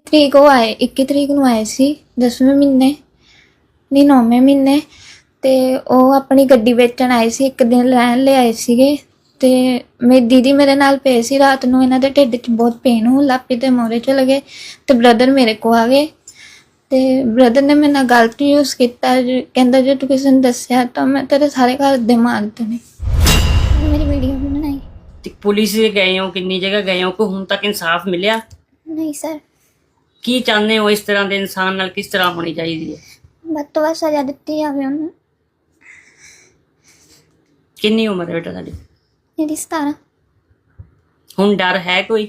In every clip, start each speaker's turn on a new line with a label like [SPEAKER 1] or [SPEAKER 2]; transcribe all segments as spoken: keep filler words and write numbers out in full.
[SPEAKER 1] ਤਰੀਕ ਉਹ ਆਏ ਇੱਕੀ ਤਰੀਕ ਨੂੰ ਆਏ ਸੀ ਦਸਵੇਂ ਮਹੀਨੇ ਨਹੀਂ ਨੌਵੇਂ ਮਹੀਨੇ ਤੇ ਉਹ ਆਪਣੀ ਗੱਡੀ ਵੇਚਣ ਆਏ ਸੀ। ਇੱਕ ਦਿਨ ਰਹਿਣ ਲਈ ਆਏ ਸੀਗੇ ਤੇ ਮੇਰੀ ਦੀਦੀ ਮੇਰੇ ਨਾਲ ਪਏ ਸੀ। ਰਾਤ ਨੂੰ ਇਹਨਾਂ ਦੇ ਢਿੱਡ 'ਚ ਬਹੁਤ ਪੇਨ ਹੋਣ ਲੱਗ ਪਈ ਤੇ ਮੋਰੇ ਚਲੇ ਗਏ ਤੇ ਬ੍ਰਦਰ ਮੇਰੇ ਕੋ ਆ ਗਏ ਤੇ ਬ੍ਰਦਰ ਨੇ ਮੇਰੇ ਨਾਲ ਗਲਤ ਯੂਜ਼ ਕੀਤਾ। ਕਹਿੰਦਾ ਜੇ ਤੂੰ ਕਿਸੇ ਨੂੰ ਦੱਸਿਆ ਤਾਂ ਮੈਂ ਤੇਰੇ ਸਾਰੇ ਘਰ ਦੇ ਮਾਰ ਦੇਣੇ। ਮੇਰੀ ਵੀਡੀਓ ਵੀ ਬਣਾਈ।
[SPEAKER 2] ਤੇ ਪੁਲਿਸ ਦੇ ਗਏ ਹੋ, ਕਿੰਨੀ ਜਗ੍ਹਾ ਗਏ ਹੋ, ਕੋਈ ਹੁਣ ਤੱਕ ਇਨਸਾਫ ਮਿਲਿਆ?
[SPEAKER 1] ਨਹੀਂ ਸਰ।
[SPEAKER 2] ਕੀ ਚਾਹੁੰਦੇ ਹੋ? ਇਸ ਤਰ੍ਹਾਂ ਦੇ ਇਨਸਾਨ ਨਾਲ ਕਿਸ ਤਰ੍ਹਾਂ ਹੋਣੀ ਚਾਹੀਦੀ ਹੈ?
[SPEAKER 1] ਵੱਧ ਤੋਂ ਵੱਧ ਸਜ਼ਾ ਦਿੱਤੀ ਜਾਵੇ ਉਹਨੂੰ।
[SPEAKER 2] ਕਿੰਨੀ ਉਮਰ ਹੈ ਬੇਟਾ ਤੁਹਾਡੀ?
[SPEAKER 1] ਮੇਰੀ ਸਤਾਰਾਂ।
[SPEAKER 2] ਹੁਣ ਡਰ ਹੈ ਕੋਈ?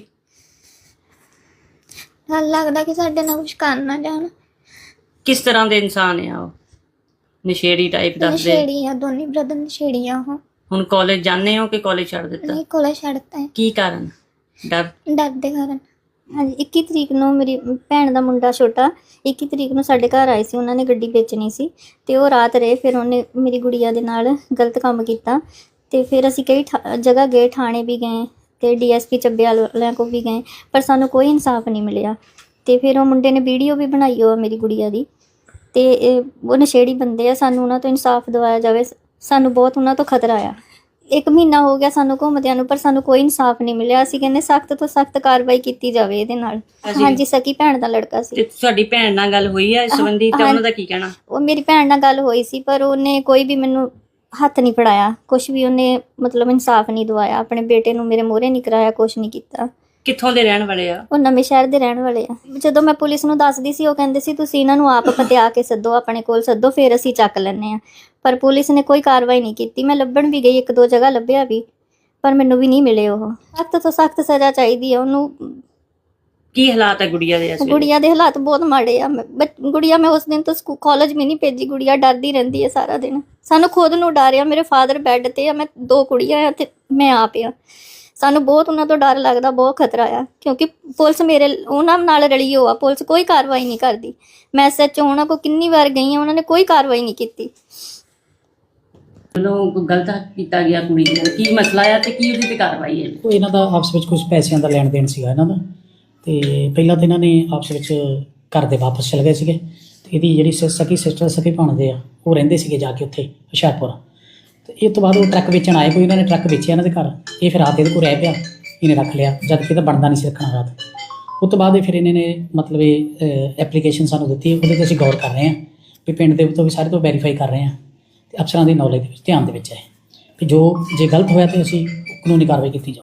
[SPEAKER 1] ਡਰ ਲੱਗਦਾ ਕਿ ਸਾਡੇ ਨਾਲ ਕੁਝ ਕਰ ਨਾ ਜਾਣ।
[SPEAKER 2] ਕਿਸ ਤਰ੍ਹਾਂ ਦੇ ਇਨਸਾਨ ਆ ਉਹ? ਨਸ਼ੇੜੀ ਟਾਈਪ ਦੱਸਦੇ?
[SPEAKER 1] ਨਸ਼ੇੜੀ ਆ, ਦੋਨੇ ਬ੍ਰਦਰ ਨਸ਼ੇੜੀ ਆ ਉਹ।
[SPEAKER 2] ਹੁਣ ਕਾਲਜ ਜਾਂਦੇ ਹੋ ਕਿ ਕਾਲਜ ਛੱਡ ਦਿੱਤਾ?
[SPEAKER 1] ਨਹੀਂ ਕੋਲੇ ਛੱਡਤਾ ਹੈ।
[SPEAKER 2] ਕੀ ਕਾਰਨ? ਡਰ?
[SPEAKER 1] ਡਰ ਦੇ ਕਾਰਨ।
[SPEAKER 3] ਹਾਂਜੀ ਇੱਕੀ ਤਰੀਕ ਨੂੰ ਮੇਰੀ ਭੈਣ ਦਾ ਮੁੰਡਾ ਛੋਟਾ ਇੱਕੀ ਤਰੀਕ ਨੂੰ ਸਾਡੇ ਘਰ ਆਏ ਸੀ। ਉਹਨਾਂ ਨੇ ਗੱਡੀ ਵੇਚਣੀ ਸੀ ਤੇ ਉਹ ਰਾਤ ਰਹੇ। ਫਿਰ ਉਹਨੇ ਮੇਰੀ ਗੁੜੀਆ ਦੇ ਨਾਲ ਗਲਤ ਕੰਮ ਕੀਤਾ ਤੇ ਫਿਰ ਅਸੀਂ ਕਈ ਜਗ੍ਹਾ ਗਏ, ਥਾਣੇ ਵੀ ਗਏ ਤੇ ਡੀਐਸਪੀ ਚੱਬੇਵਾਲ ਵਾਲਿਆਂ ਕੋਲ ਵੀ ਗਏ, ਪਰ ਸਾਨੂੰ ਕੋਈ ਇਨਸਾਫ ਨਹੀਂ ਮਿਲਿਆ। ਤੇ ਫਿਰ ਉਹ ਮੁੰਡੇ ਨੇ ਵੀਡੀਓ ਵੀ ਬਣਾਈ ਉਹ ਮੇਰੀ ਗੁੜੀਆ ਦੀ ਤੇ ਉਹ ਨਸ਼ੇੜੀ ਬੰਦੇ ਆ। ਸਾਨੂੰ ਉਹਨਾਂ ਤੋਂ ਇਨਸਾਫ ਦਿਵਾਇਆ ਜਾਵੇ। ਸਾਨੂੰ ਬਹੁਤ ਉਹਨਾਂ ਤੋਂ ਖਤਰਾ ਆ। ਇੱਕ ਮਹੀਨਾ ਹੋ ਗਿਆ ਸਾਨੂੰ ਘੁੰਮਦਿਆਂ ਨੂੰ, ਪਰ ਸਾਨੂੰ ਕੋਈ ਇਨਸਾਫ ਨਹੀਂ ਮਿਲਿਆ। ਅਸੀਂ ਕਹਿੰਦੇ ਸਖਤ ਤੋਂ ਸਖਤ ਕਾਰਵਾਈ ਕੀਤੀ ਜਾਵੇ ਇਹਦੇ ਨਾਲ। ਹਾਂਜੀ ਸਕੀ ਭੈਣ ਦਾ ਲੜਕਾ ਸੀ।
[SPEAKER 2] ਤੇ ਤੁਹਾਡੀ ਭੈਣ ਨਾਲ ਗੱਲ ਹੋਈ ਹੈ ਇਸ ਸੰਬੰਧੀ ਤਾਂ ਉਹਨਾਂ ਦਾ ਕੀ ਕਹਿਣਾ?
[SPEAKER 3] ਉਹ ਮੇਰੀ ਭੈਣ ਨਾਲ ਗੱਲ ਹੋਈ ਸੀ ਪਰ ਉਹਨੇ ਕੋਈ ਵੀ ਮੈਨੂੰ ਹੱਥ ਨਹੀਂ ਫੜਾਇਆ, ਕੁਛ ਵੀ ਉਹਨੇ ਮਤਲਬ ਇਨਸਾਫ ਨਹੀਂ ਦਵਾਇਆ। ਆਪਣੇ ਬੇਟੇ ਨੂੰ ਮੇਰੇ ਮੂਹਰੇ ਨਹੀਂ ਕਰਾਇਆ, ਕੁਛ ਨਹੀਂ ਕੀਤਾ।
[SPEAKER 2] ਕਿੱਥੋਂ ਦੇ ਰਹਿਣ ਵਾਲੇ ਆ?
[SPEAKER 3] ਉਹ ਨਵੇਂ ਸ਼ਹਿਰ ਦੇ ਰਹਿਣ ਵਾਲੇ ਆ। ਜਦੋਂ ਮੈਂ ਪੁਲਿਸ ਨੂੰ ਦੱਸਦੀ ਸੀ ਉਹ ਕਹਿੰਦੇ ਸੀ ਤੁਸੀਂ ਇਹਨਾਂ ਨੂੰ ਆਪ ਪਤਿਆ ਕੇ ਸੱਦੋ, ਆਪਣੇ ਕੋਲ ਸੱਦੋ, ਫਿਰ ਅਸੀਂ ਚੱਕ ਲੈਂਦੇ ਹਾਂ। ਪਰ ਪੁਲਿਸ ਨੇ ਕੋਈ ਕਾਰਵਾਈ ਨਹੀਂ ਕੀਤੀ। ਮੈਂ ਲੱਭਣ ਵੀ ਗਈ, ਇੱਕ ਦੋ ਜਗ੍ਹਾ ਲੱਭਿਆ ਵੀ, ਪਰ ਮੈਨੂੰ ਵੀ ਨਹੀਂ ਮਿਲੇ। ਉਹ ਸਖਤ ਤੋਂ ਸਖਤ ਸਜ਼ਾ ਚਾਹੀਦੀ ਹੈ ਉਹਨੂੰ।
[SPEAKER 2] ਕੀ ਹਾਲਾਤ ਹੈ ਗੁੜੀਆ ਦੇ?
[SPEAKER 3] ਗੁੜੀਆ ਦੇ ਹਾਲਾਤ ਬਹੁਤ ਮਾੜੇ ਆ। ਗੁੜੀਆ ਮੈਂ ਉਸ ਦਿਨ ਤੋਂ ਸਕੂਲ ਕਾਲਜ ਵੀ ਨਹੀਂ ਭੇਜੀ। ਗੁੜੀਆ ਡਰਦੀ ਰਹਿੰਦੀ ਹੈ ਸਾਰਾ ਦਿਨ। ਸਾਨੂੰ ਖੁਦ ਨੂੰ ਡਰ ਆ। ਮੇਰੇ ਫਾਦਰ ਬੈੱਡ ਤੇ ਆ, ਮੈਂ ਦੋ ਕੁੜੀਆਂ ਆ ਤੇ ਮੈਂ ਆਪ ਆ। ਸਾਨੂੰ ਬਹੁਤ ਉਹਨਾਂ ਤੋਂ ਡਰ ਲੱਗਦਾ, ਬਹੁਤ ਖਤਰਾ ਆ ਕਿਉਂਕਿ ਪੁਲਿਸ ਮੇਰੇ ਉਹਨਾਂ ਨਾਲ ਰਲੀ ਹੋ ਆ। ਪੁਲਿਸ ਕੋਈ ਕਾਰਵਾਈ ਨਹੀਂ ਕਰਦੀ। ਮੈਂ ਐਸ ਐਚ ਓ ਉਹਨਾਂ ਕੋਲ ਕਿੰਨੀ ਵਾਰ ਗਈ ਹਾਂ, ਉਹਨਾਂ ਨੇ ਕੋਈ ਕਾਰਵਾਈ ਨਹੀਂ ਕੀਤੀ।
[SPEAKER 2] ਲੋਕ ਗਲਤ ਕੀਤਾ ਗਿਆ ਕੁੜੀ ਨਾਲ, ਕੀ ਮਸਲਾ ਆ ਤੇ ਕੀ ਉਹਦੀ ਤੇ ਕਾਰਵਾਈ ਹੈ?
[SPEAKER 4] ਉਹ ਇਹਨਾਂ ਦਾ ਆਪਸ ਵਿੱਚ ਕੁਝ ਪੈਸਿਆਂ ਦਾ ਲੈਣ ਦੇਣ ਸੀਗਾ ਇਹਨਾਂ ਦਾ। ਤੇ ਪਹਿਲਾਂ ਤਾਂ ਇਹਨਾਂ ਨੇ ਆਪਸ ਵਿੱਚ ਘਰ ਦੇ ਵਾਪਸ ਚਲੇ ਗਏ ਸੀਗੇ ਤੇ ਇਹਦੀ ਜਿਹੜੀ ਸਕੀ ਸਿਸਟਰ ਸਕੀ ਭਾਣਦੇ ਆ ਉਹ ਰਹਿੰਦੇ ਸੀਗੇ ਜਾ ਕੇ ਉੱਥੇ ਹੁਸ਼ਿਆਰਪੁਰ। ਤੇ ਇਹ ਤੋਂ ਬਾਅਦ ਉਹ ਟਰੱਕ ਵੇਚਣ ਆਏ, ਕੋਈ ਇਹਨਾਂ ਨੇ ਟਰੱਕ ਵੇਚਿਆ ਇਹਨਾਂ ਦੇ ਘਰ। ਇਹ ਫਿਰ ਰਾਤ ਇਹਦੇ ਕੋਲ ਰਹਿ ਪਿਆ, ਇਹਨੇ ਰੱਖ ਲਿਆ ਜਦ ਕਿ ਇਹਦਾ ਬਣਦਾ ਨਹੀਂ ਸੀ ਰੱਖਣਾ ਰਾਤ। ਉਸ ਤੋਂ ਬਾਅਦ ਇਹ ਫਿਰ ਇਹਨਾਂ ਨੇ ਮਤਲਬ ਇਹ ਐਪਲੀਕੇਸ਼ਨ ਸਾਨੂੰ ਦਿੱਤੀ, ਉਹਦੇ 'ਤੇ ਅਸੀਂ ਗੌਰ ਕਰ ਰਹੇ ਹਾਂ ਵੀ ਪਿੰਡ ਦੇ ਤੋਂ ਵੀ ਸਾਰੇ ਤੋਂ ਵੈਰੀਫਾਈ ਕਰ ਰਹੇ ਹਾਂ ਤੇ ਅਫਸਰਾਂ ਦੀ ਨੌਲੇਜ ਦੇ ਵਿੱਚ ਧਿਆਨ ਦੇ ਵਿੱਚ ਹੈ ਕਿ ਜੋ ਜੇ ਗਲਤ ਹੋਇਆ ਤਾਂ ਅਸੀਂ ਕਾਨੂੰਨੀ ਕਾਰਵਾਈ ਕੀਤੀ ਜਾਵੇ।